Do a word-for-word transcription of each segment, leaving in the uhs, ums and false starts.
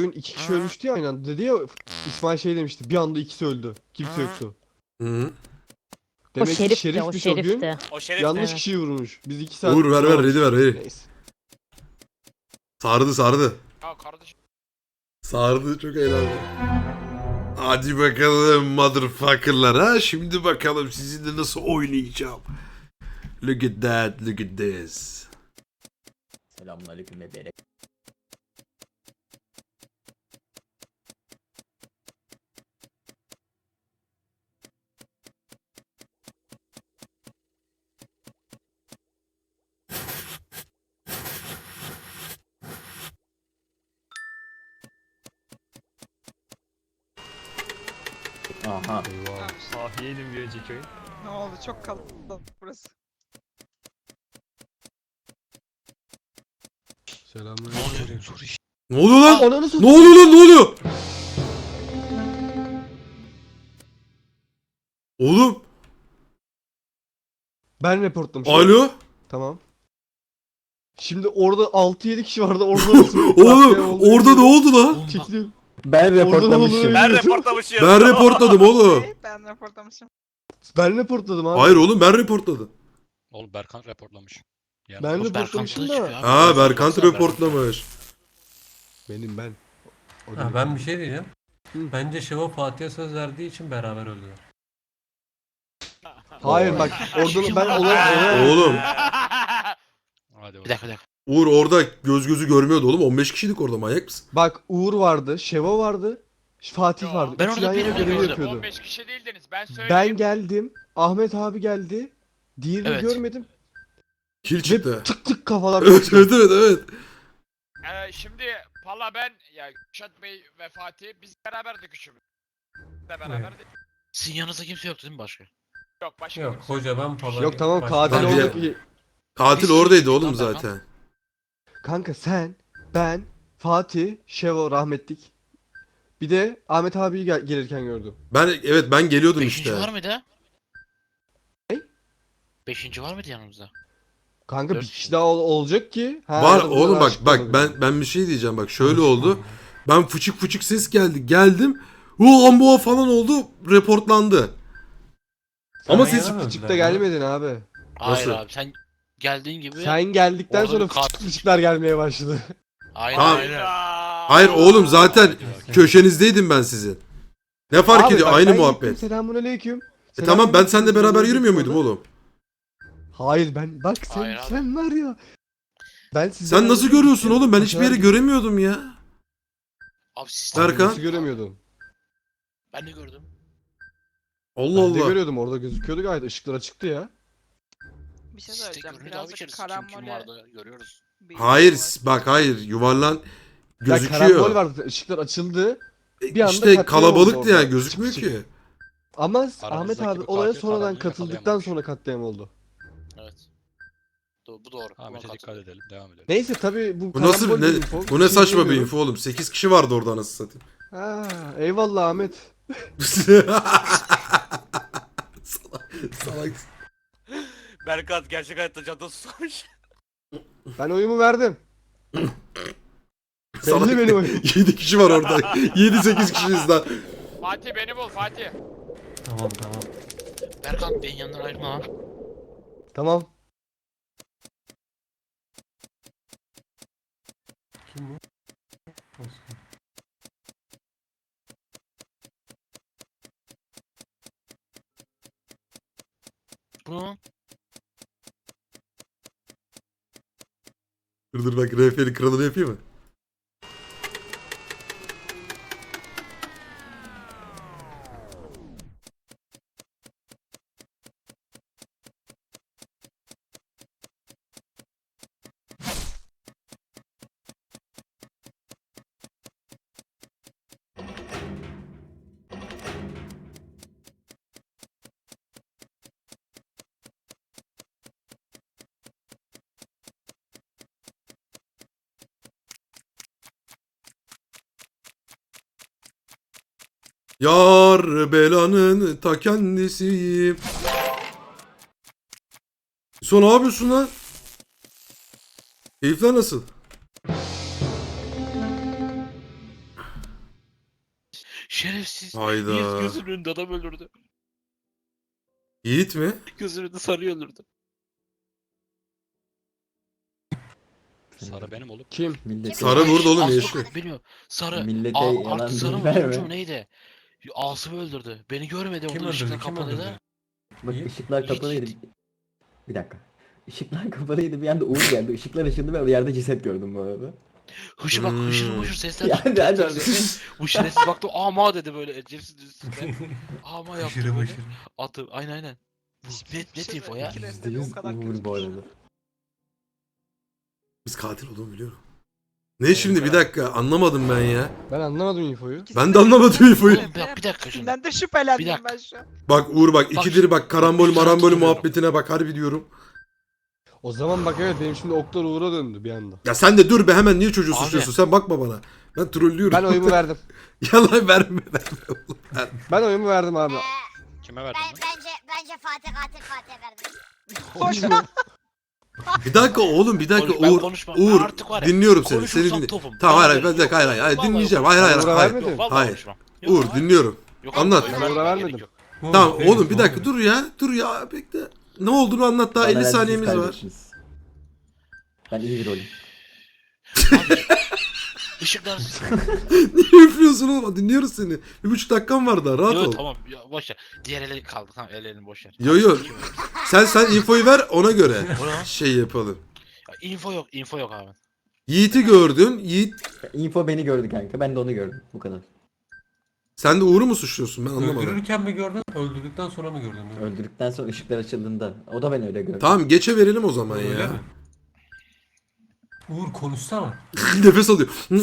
Bugün iki kişi ölmüştü ya aynı anda. Dedi ya İsmail şey demişti. Bir anda ikisi öldü. Kimse yoktu. Hı. O Demek ki şerifti, o şerifmiş o gün. şerifti. O şerif Yanlış Evet. kişiyi vurmuş. Biz iki saat... Uğur ver ver bulamamıştık. ready ver ready. Neyse. Sardı sardı. Ya kardeşim. Sardı çok eğlenceli. Hadi bakalım motherfucker'lar ha. Şimdi bakalım sizinle nasıl oynayacağım. Look at that, look at this. Selamünaleyküm ve berek. Aha. Sahiyeydim bir önceki oyun. Ne oldu? Çok kalabalık burası. Selamünaleyküm. Ne oluyor lan? Ananı Ne satayım. oluyor lan ne oluyor? Oğlum. Ben reportlamışım. Alo. Tamam. Şimdi orada altı yedi kişi vardı. Orada nasıl? Oğlum orada ne oldu lan? Çekiliyorum. Ben reportlamışım. Ben reportlamışım. Ben reportladım oğlum. Okey, ben raporlamışım. Ben reportladım abi. Hayır oğlum ben reportladım. Oğlum Berkan reportlamış. Yani Ben Oğlum reportlamışım Berkan da. çıkıyor abi. Ha Berkant Baksana reportlamış. Benim ben. O Ha, değil. ben bir şey diyeceğim. Hı. Bence Şevo Fatih'e söz verdiği için beraber öldüler. Hayır bak orada ben olay olay. Oğlum Hadi Bir dakika bir dakika. Uğur orada göz gözü görmüyordu oğlum. on beş kişiydik orada manyak mısın? Bak Uğur vardı, Şeva vardı, Fatih vardı. Ben Üçü orada yan yana birini görevi gördüm. yapıyordu. on beş kişi değildiniz. Ben söyleyeyim. Ben geldim, Ahmet abi geldi. Diğerini Evet. görmedim. Kill Ve çıktı. tık tık kafalar Evet koptu. evet evet evet. Ee, şimdi Pala ben ya Kürşat Bey ve Fatih biz beraberdik üçümüz. Biz de beraberdik. Sizin yanınızda kimse yoktu değil mi başka? Yok başka Yok kimse. hoca ben falan. Yok tamam başka- katil Tabii. olduk. Katil Biz- oradaydı oğlum Lan Berkan. zaten. Kanka sen, ben, Fatih, Şevo rahmetlik. Bir de Ahmet abiyi gel- gelirken gördüm. Ben evet ben geliyordum Beşinci işte. var mıydı? Ne? Beşinci var mıydı yanımızda? Kanka bir Dört kişi kişi. daha ol- olacak ki. Ha, Var ya da bu oğlum kadar bak açık bak olabilir. ben ben bir şey diyeceğim bak şöyle oldu. Ben fıçık fıçık ses geldi. Geldim. O amboğa falan oldu. Reportlandı. Ama Sen siz yana mı Fıçıkta öldüler lan? gelmedin abi. Hayır Nasıl? abi sen geldiğin gibi. Sen geldikten Orada sonra bir katil fıçık fıçıklar gelmeye başladı. Aynen Tamam. aynen. Hayır oğlum zaten Hadi bakayım. köşenizdeydim ben sizin. Ne fark Abi ediyor? bak, Aynı ben muhabbet. gittim, Selamünaleyküm. E tamam ben seninle beraber Selamünaleyküm yürümüyor muydum orada. oğlum? Hayır ben bak sen Hayır abi. sen var ya. Ben sizi Sen nasıl görüyorsun oğlum? Ben hiçbir yere göremiyordum ya. Abi siz Berkan. Nasıl göremiyordum? ben de gördüm. Allah Ben de Allah. görüyordum orada gözüküyordu gayet ışıklar açıktı ya. Bir şey Siz de söyleyeceğim. görünüyordu abi Birazcık içerisi. Kim kim karambole vardı görüyoruz. bir Hayır var. bak hayır yuvarlan Ya karambol gözüküyor. vardı ışıklar açıldı. E, bir anda İşte katliam oldu kalabalıktı orada. yani gözükmüyor Çık çık. ki. Ama Aramızdaki Ahmet abi bir olaya katil sonradan karambolu katıldıktan yakalayamamış. sonra katliam oldu. Evet. Do bu doğru. Ahmet'e Buna dikkat katılıyorum. edelim. Devam edelim. Neyse tabi bu Bu nasıl karambol ne, bir info. bu ne Şey saçma bir diyemiyorum. info oğlum. sekiz kişi vardı orada anasını satayım. Ha, eyvallah Ahmet. salak, salak. Berkat gerçek hayatta canını susamış. Ben oyumu verdim. Salak. Belli benim oyum. yedi kişi var orada. yedi sekiz kişiyiz lan. Fatih beni bul Fatih. Tamam tamam. Berkan benim yanından ayrılma lan. Tamam. Kim bu? Osman. Bu ne lan? Dur dur bak R F'nin kralını yapayım mı? Yar belanın ta kendisiyim. Son ne yapıyorsun lan? Keyifler nasıl? Şerefsiz. Hayda. Yiğit gözünün önünde adam öldürdü. Yiğit mi? Gözünün önünde sarıyı öldürdü. Sarı benim oğlum. Kim? Millete, Sarı burada oğlum Aslı yeşil. bilmiyorum. Sarı. millete Aa, yalan artık sarı mı bilgi verme. turuncu mu neydi? Asım'ı öldürdü. Beni görmedi Kim orada ışıklar öldürdü? Kim kapalıydı. öldürdü? Bak Yiğit. ışıklar Yiğit, kapalıydı. Yiğit. Bir dakika. Işıklar kapalıydı bir anda Uğur geldi. Işıklar ışındı ve yerde ceset gördüm bu arada. Hışır bak hışır Hmm. hışır sesler Yani, çıktı. hadi, Yani, hadi. Hışır baktı ama dedi böyle ecevsiz üstünde. Ama yaptı Aşırı böyle. başarı. Attı aynen aynen. Net net info ya. İki Yüzde resteli o yüz kadar Uğur kötü bu bir arada. Biz katil olduğumu biliyorum. Ne şimdi bir dakika anlamadım ben ya. Ben anlamadım infoyu. İkisi Ben de anlamadım infoyu. Oğlum bak bir dakika şimdi. İkisinden de şüphelendim Bir dakika. ben şu an. Bak Uğur bak Bak ikidir bak karambol bak, marambol hatırlıyorum. muhabbetine bak harbi diyorum. O zaman bak evet benim şimdi oklar Uğur'a döndü bir anda. Ya sen de dur be hemen niye çocuğu Abi. suçluyorsun sen bakma bana. Ben trollüyorum. Ben oyumu verdim. Yalan verme verme oğlum. verme. Ben oyumu verdim abi. Kime verdin Ben, lan? bence bence Fatih katil Fatih'e verdim. Boş ver. Bir dakika oğlum bir dakika Konuş- ben Uğur. konuşmam. Ben Uğur artık var ya, dinliyorum seni. Seni konuşursam dinle. topum. Tamam hayır hayır Vallahi bir dakika hayır yok. hayır, hayır Vallahi dinleyeceğim. yok. Hayır hayır Uğur'a hayır. vermedin. Yok, vallahi Hayır. konuşmam. Yok, Uğur hayır. dinliyorum. Yok, Anlat. abi, Ben vermem, Uğur'a gerek vermedim. yok. Uğur, Tamam benim, oğlum bir dakika Uğur. dur ya. Dur ya bekle. Ne olduğunu anlat daha Bana elli verdiniz, saniyemiz var. kaybettiniz. Ben iyi bir rolüm. Abi, Işıklar. Niye üflüyorsun oğlum? Dinliyoruz seni. Bir buçuk dakikan var daha rahat Yo ol. tamam ya, boş ver. Diğer ele kaldı tamam el elini boş ver. Yo yo. Sen sen infoyu ver ona göre O ne lan? şey yapalım. Ya, info yok info yok abi. Yiğit'i gördün. Yiğit Info beni gördü kanka. Ben de onu gördüm. Bu kadar. sen de Uğur'u mu suçluyorsun ben anlamadım. Öldürürken mi gördün? Öldürdükten sonra mı gördün? Öldürdükten sonra ışıklar açıldığında. O da ben öyle gördüm. Tamam geçe verelim o zaman Öyle ya. mi? Uğur konuşsana. Nefes alıyor. bu,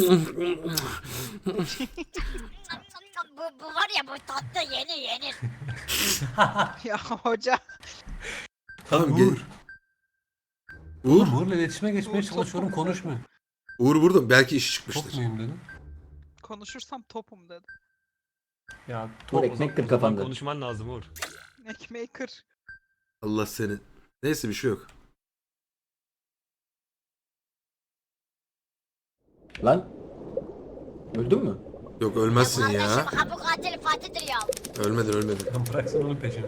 bu var ya bu tatlı yenir yenir. Ya hoca. Tamam Uğur. ge- Uğur. Oğlum Uğur'la iletişime geçmeye Uğur çok çalışıyorum komik. konuşmuyor. Uğur burada belki işi Çok çıkmıştır. muyum dedim. Konuşursam topum dedi. Ya Uğur ekmek kır kafanda. Konuşman lazım Uğur. Ekmeği kır. Allah seni. Neyse bir şey yok. Lan. Öldün mü? Yok ölmezsin Kardeşim ya. ha bu katil Fatih'tir ya. Ölmedin ölmedin. lan bıraksana onun peşini.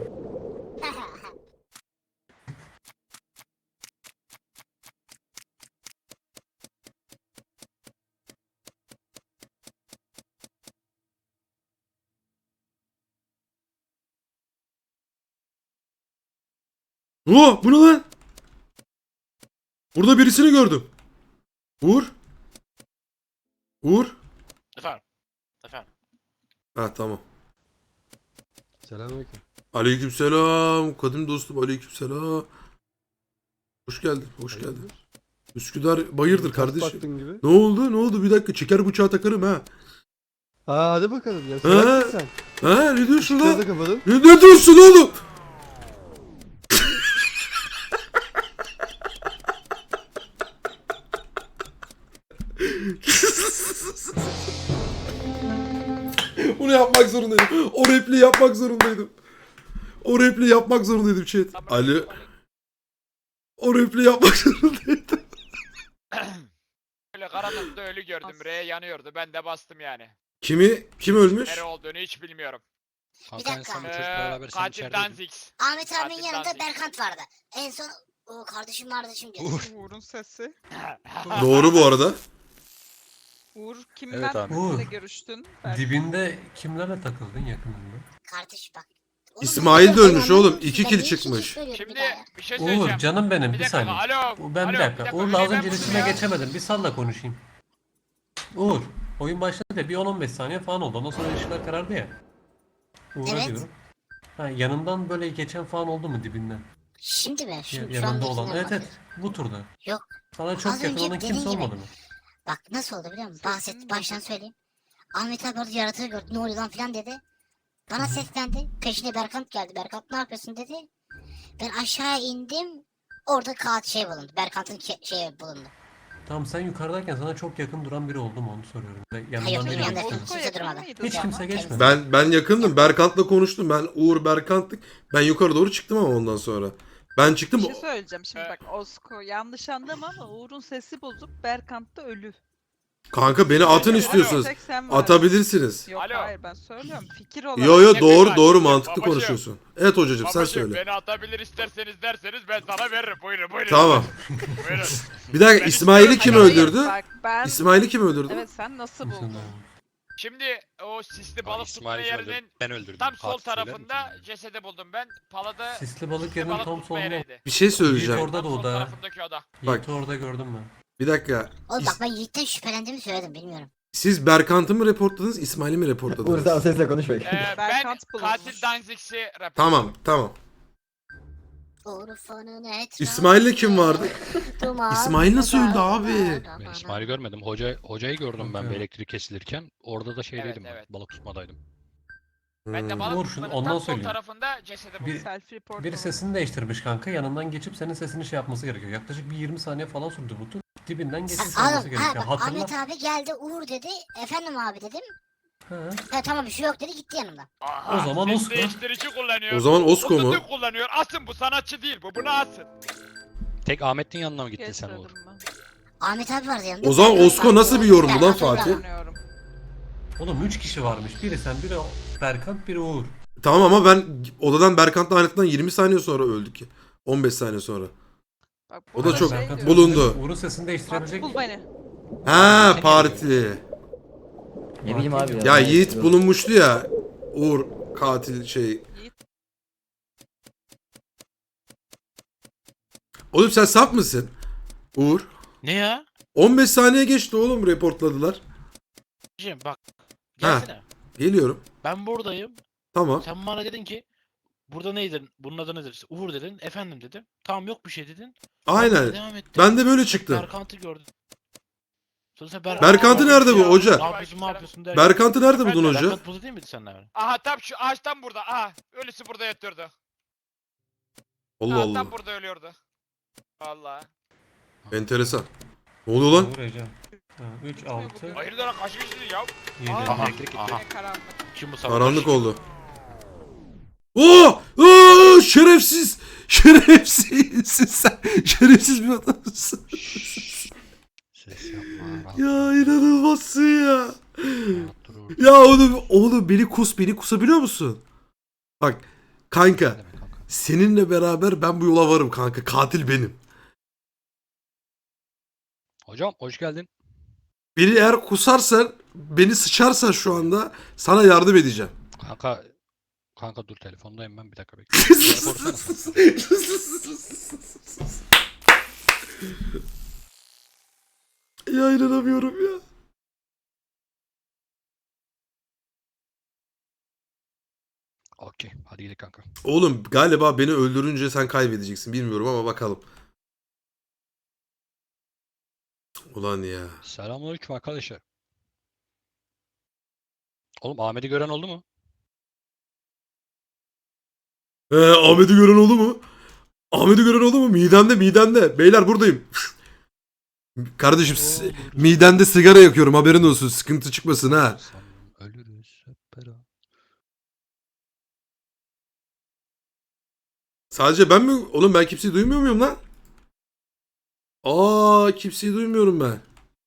Oo, bu ne lan? Burada birisini gördüm. Uğur. Uğur. Efendim. Efendim. Ha tamam. Selamünaleyküm. Aleykümselam. Kadim dostum aleykümselam. Hoş geldin. Hoş geldin. Üsküdar bayırdır Ters kardeşim. baktın gibi. Ne oldu? Ne oldu? Bir dakika çeker bıçağı takarım ha. Aa hadi bakalım ya. Ha? Salak sen. Ha ne diyorsun Şurada lan? kapadım. Ne, ne diyorsun oğlum? Bunu yapmak zorundaydım. O repliği yapmak zorundaydım. O repliği yapmak zorundaydım chat. Ali. O repliği yapmak zorundaydım. Böyle karanlıkta ölü gördüm. R yanıyordu. Ben de bastım yani. Kimi? Kim ölmüş? Nere olduğunu hiç bilmiyorum. Kanka en dakika. son bu Ee, çocukla beraber sen katil içerideydin. Danzix. Ahmet abinin Katil yanında Danzig. Berkant vardı. En son o kardeşim kardeşim diyor. Uğur. Uğur'un sesi. Doğru bu arada. Uğur Evet kimden abi. kimle Uğur. görüştün? Belki. Dibinde kimlerle takıldın yakınında? Kardeş bak. Oğlum, İsmail de ben ölmüş anlamadım oğlum. ki, İki ben kill niye iki çıkmış. kill söylüyorum bir Şimdi daha ya? bir şey Uğur söyleyeceğim. canım benim Bir bir dakika, saniye. alo, Ben alo, bir bir dakika. dakika, Uğur'la az ben önce bunu iletişime ya. geçemedim. Bir salla konuşayım. Uğur, oyun başladı ya bir on on beş saniye falan oldu. Ondan sonra ışıklar karardı ya. Uğur'a Evet. diyorum. Ha, yanından böyle geçen falan oldu mu dibinden? Şimdi mi? Şu, Ya- şu yanında olan. andakinden Evet evet. bahsediyorum. Bu turda. Yok. Sana çok Az yakın önce olan dediğin kimse gibi. olmadı mı? Bak nasıl oldu biliyor musun? Sesini Bahset, baştan duydum. söyleyeyim. Ahmet abi orada yaratığı gördü. Ne oluyor lan filan dedi. Bana seslendi. Peşine Berkant geldi. Berkant ne yapıyorsun dedi. Ben aşağıya indim. Orada kağıt şey bulundu. Berkant'ın ke- şeyi bulundu. Tamam sen yukarıdayken sana çok yakın duran biri oldu mu onu soruyorum. Ve yanından Hayır, biri benim yanımda geçti mi? kimse Orko yakın durmadı. mıydı Hiç sana? kimse geçmedi. Ben ben yakındım. Berkant'la konuştum. Ben Uğur Berkant'tık. Ben yukarı doğru çıktım ama ondan sonra. Ben çıktım. Bir şey söyleyeceğim şimdi Evet. bak Osko yanlış anlama ama Uğur'un sesi bozup Berkant da ölü. Kanka beni atın Alo, istiyorsunuz. Tek sen varsın. Atabilirsiniz. Yok Alo. hayır ben söylüyorum. Fikir olarak. Yo yo Ne doğru kadar? doğru mantıklı Babacığım. konuşuyorsun. Evet hocacığım sen Babacım söyle. beni atabilir isterseniz derseniz ben sana veririm. Buyurun buyurun. Tamam. Buyurun. Bir dakika Ben İsmail'i istiyorum. kim Hayır, hayır, öldürdü? Bak ben... İsmail'i kim öldürdü? Evet sen nasıl buldun? Şimdi o sisli Aa, balık tutma İsmail kim öldürdü? yerinin Ben öldürdüm. tam sol Katil söyler tarafında misin? cesedi buldum ben. Palada Sisli balık sisli yerinin balık tam tutma solunda. yeriydi. Bir şey Yiğit söyleyeceğim. orada da Tam sol o da. tarafındaki oda. Bak. Yiğit'i orada gördüm ben. Bir dakika. Oğlum İs- bak ben Yiğit'ten şüphelendiğimi söyledim bilmiyorum. Siz Berkant'ı mı reportladınız, İsmail'i mi Uğur reportladınız? sen o sesle konuş bakayım. Ee, ben Berkant bulunmuş. katil Danzig'si rapor. Tamam tamam. Urfa'nın etrafı. İsmail'le kim vardı? duman İsmail nasıl öldü dağlar, abi? Ben İsmail'i görmedim. Hoca hocayı gördüm ben Okey. bir elektrik kesilirken. Orada da şeydeydim Evet, ben. evet. Balık tutmadaydım. Ben de Hmm. balık Uğur, şunu tutmanın ondan tam sol söyleyeyim. tarafında cesedi buldum. Bir- Self report Biri oldu. sesini değiştirmiş kanka. Yanından geçip senin sesini şey yapması gerekiyor. Yaklaşık bir yirmi saniye falan sürdü bu tur. Dibinden geçip Ha, söylemesi Oğlum, ha, gerekiyor. bak, Hatırla. Ahmet abi geldi Uğur dedi. Efendim abi dedim. Ha. Ha, tamam bir şey yok dedi gitti yanımdan. Aha, O zaman ses Osko. değiştirici kullanıyor. O zaman Osko mu? Ototürk kullanıyor. Asın bu sanatçı değil bu. Bunu asın. Tek Ahmet'in yanına mı gittin sen Uğur? Geçmedim ben. Ahmet abi vardı yanımda. O zaman Berkant Osko vardı, nasıl bir yorum bu lan Berkant Fatih? vardı. Sanıyorum. Oğlum üç kişi varmış. Biri sen, biri Berkant, biri Uğur. Tamam ama ben odadan Berkant'la ayrıldıktan yirmi saniye sonra öldük. on beş saniye sonra. Bak, O da burada çok şey Berkant diyor, bulundu. Uğur'un sesini değiştirebilecek. Bul beni. Ha parti. Ne bileyim abi Ya Ne Yiğit istiyor? bulunmuştu ya. Uğur katil şey. Yiğit. Oğlum sen sap mısın? Uğur. Ne ya? on beş saniye geçti oğlum reportladılar. Cem bak. Gelsene. Geliyorum. Ben buradayım. Tamam. Sen bana dedin ki burada neydin? Bunun adı nedir? İşte Uğur dedin. Efendim dedim. Tamam yok bir şey dedin. Aynen. Devam ettim. Ben de böyle çıktım. Berkant'ı gördüm. Sonra sen Berkant- Berkant'ı nerede bu hoca? Ne yapıyorsun ne yapıyorsun derken. Berkant'ı nerede buldun hoca? Berkant burada değil miydi seninle beraber? Aha tam şu ağaçtan burada. Aha ölüsü burada yatıyordu. Allah Aha, Allah. tam burada ölüyordu. Vallahi. Enteresan. Ne oluyor lan? Uğur Ece. üç, altı, Hayırdır lan kaç kişisiniz ya? yedi. Aha, Elektrik gitti. aha. Ne karanlık. Kim bu sabah? Karanlık oldu. Oo! Oo! Şerefsiz! Şerefsiz! Sen şerefsiz bir adamsın. Ses yapma. rahat Ya inanılmazsın ya. rahat dur Uğur. Ya oğlum, oğlum beni kus, beni kusabiliyor musun? Bak kanka, Ne demek kanka? seninle beraber ben bu yola varım kanka. Katil benim. Hocam hoş geldin. Beni eğer kusarsan, beni sıçarsan şu anda sana yardım edeceğim. Kanka kanka dur telefondayım ben bir dakika bekle. Beni korusana. Ya inanamıyorum ya. Okey hadi gidelim kanka. Oğlum galiba beni öldürünce sen kaybedeceksin. Bilmiyorum ama bakalım. Ulan ya. Selamünaleyküm arkadaşlar. Oğlum Ahmet'i gören oldu mu? Ee, Ahmet'i gören oldu mu? Ahmet'i gören oldu mu? Midemde midemde. Beyler buradayım. Kardeşim s- midemde sigara yakıyorum haberin olsun. Sıkıntı çıkmasın ha. Sanırım ölürüz hep beraber. Sadece ben mi? Oğlum ben kimseyi duymuyor muyum lan? Aa kimseyi duymuyorum ben.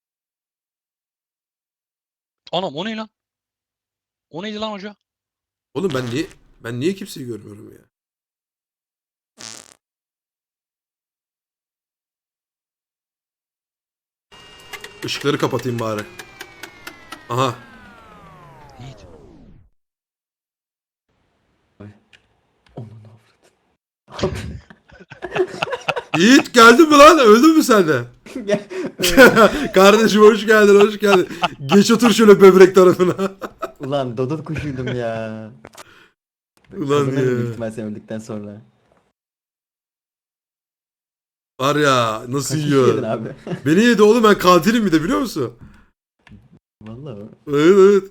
Anam o ne lan? O neydi lan hoca? Oğlum ben niye ben niye kimseyi görmüyorum ya? Işıkları kapatayım bari. Aha. Yiğit. Onun avradı. Yiğit geldin mi lan? Öldün mü sen de? Gel. Kardeşim hoş geldin, hoş geldin. Geç otur şöyle böbrek tarafına. Ulan dodot kuşuydum ya. Ulan Kazanırım büyük ya. ihtimal sen öldükten sonra. Var ya nasıl Kaç kişi yedin yiyor? abi? Beni yedi oğlum, ben katilim bir de biliyor musun? Vallahi. Evet evet.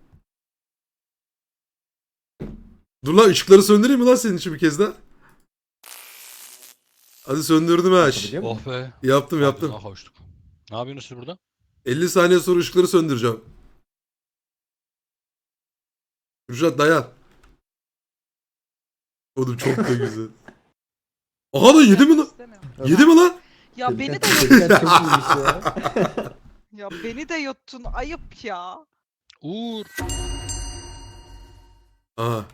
Dur lan ışıkları söndüreyim mi lan senin için bir kez daha? Hadi söndürdüm ha. şş. Biliyor musun? Oh be. Yaptım yaptım. Ağzına kavuştuk. Ne yapıyorsunuz siz burada? elli saniye sonra ışıkları söndüreceğim. Kürşat dayan. Oğlum çok da güzel. Aha da yedi mi lan? İstemiyorum. Yedi mi lan? Ya beni de Çocuklar çok iyiymiş ya. Ya beni de yuttun ayıp ya. Uğur. Aha.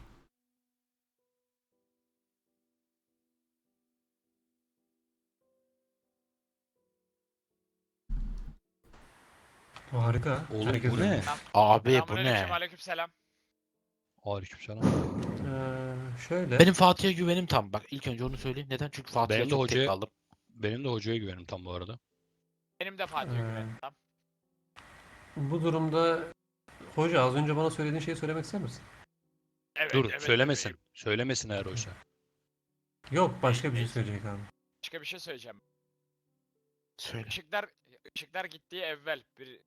Harika. Oğlum Herkes bu ne? öyle. Abi bu Selamünaleyküm, ne? aleykümselam. Aleykümselam. Ee, şöyle. Benim Fatih'e güvenim tam. Bak ilk önce onu söyleyeyim. Neden? Çünkü Fatih'e Benim de çok tek hocaya- kaldım. Benim de hocaya güvenim tam bu arada. Benim de Fatih'e Ee, güvenim. Tamam. Bu durumda hoca az önce bana söylediğin şeyi söylemek ister misin? Evet, Dur evet, söylemesin. bebeğim. Söylemesin eğer oysa. Yok başka bir şey söyleyecek abi. Başka bir şey söyleyeceğim. Söyle. Işıklar, ışıklar gittiği evvel bir...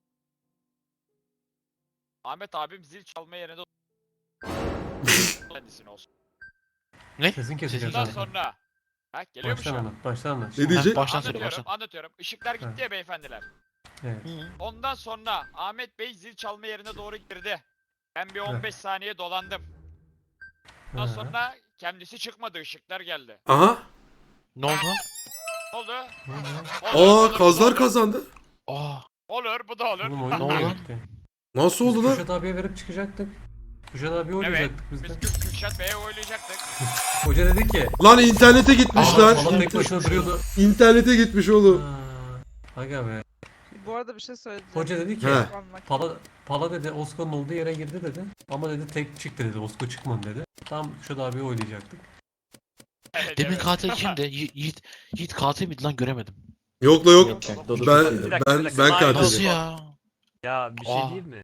Ahmet abim zil çalma yerine de kendisine olsun. Ne? Sesin kesecek Bundan zaten. sonra... Ha geliyor mu Baştan şu an? anlat. Baştan anlat. Ne Şimdi- diyecek? Baştan söyle Anlatıyorum, baştan. anlatıyorum. Işıklar gitti Ha. ya beyefendiler. Evet. Ondan sonra Ahmet Bey zil çalma yerine doğru girdi. Ben bir on beş saniye dolandım. Ondan Ha. sonra kendisi çıkmadı, ışıklar geldi. Aha. Ne oldu? Ne oldu? Hı hı. Olur, olur, Aa bu da kazlar olur. kazandı. Aa. Olur, bu da olur. Oğlum oyun Ne mu oldu? gitti? Nasıl Biz oldu lan? Kürşat abiye verip çıkacaktık. Kürşat abiye Evet, oynayacaktık biz biz de. Kür- Kürşat Bey'e oylayacaktık. Hoca dedi ki. Lan internete gitmiş Aa, lan. Falan tek başına duruyordu. İnternete gitmiş oğlum. Aa, Aga be. Bu arada bir şey söyleyeceğim. Hoca dedi ki. He. Anmak- Pala, Pala dedi Osko'nun olduğu yere girdi dedi. Ama dedi tek çıktı dedi. Osko çıkmadı dedi. Tam Kürşat abiye oynayacaktık. Evet, Demin evet. katil kimdi? Yi- Yiğit, Yiğit katil miydi lan göremedim. Yok la yok. Yok, yok, Dodo Ben suçluydu. ben ben Nasıl katilim. ya? Ya bir şey Aa. diyeyim mi?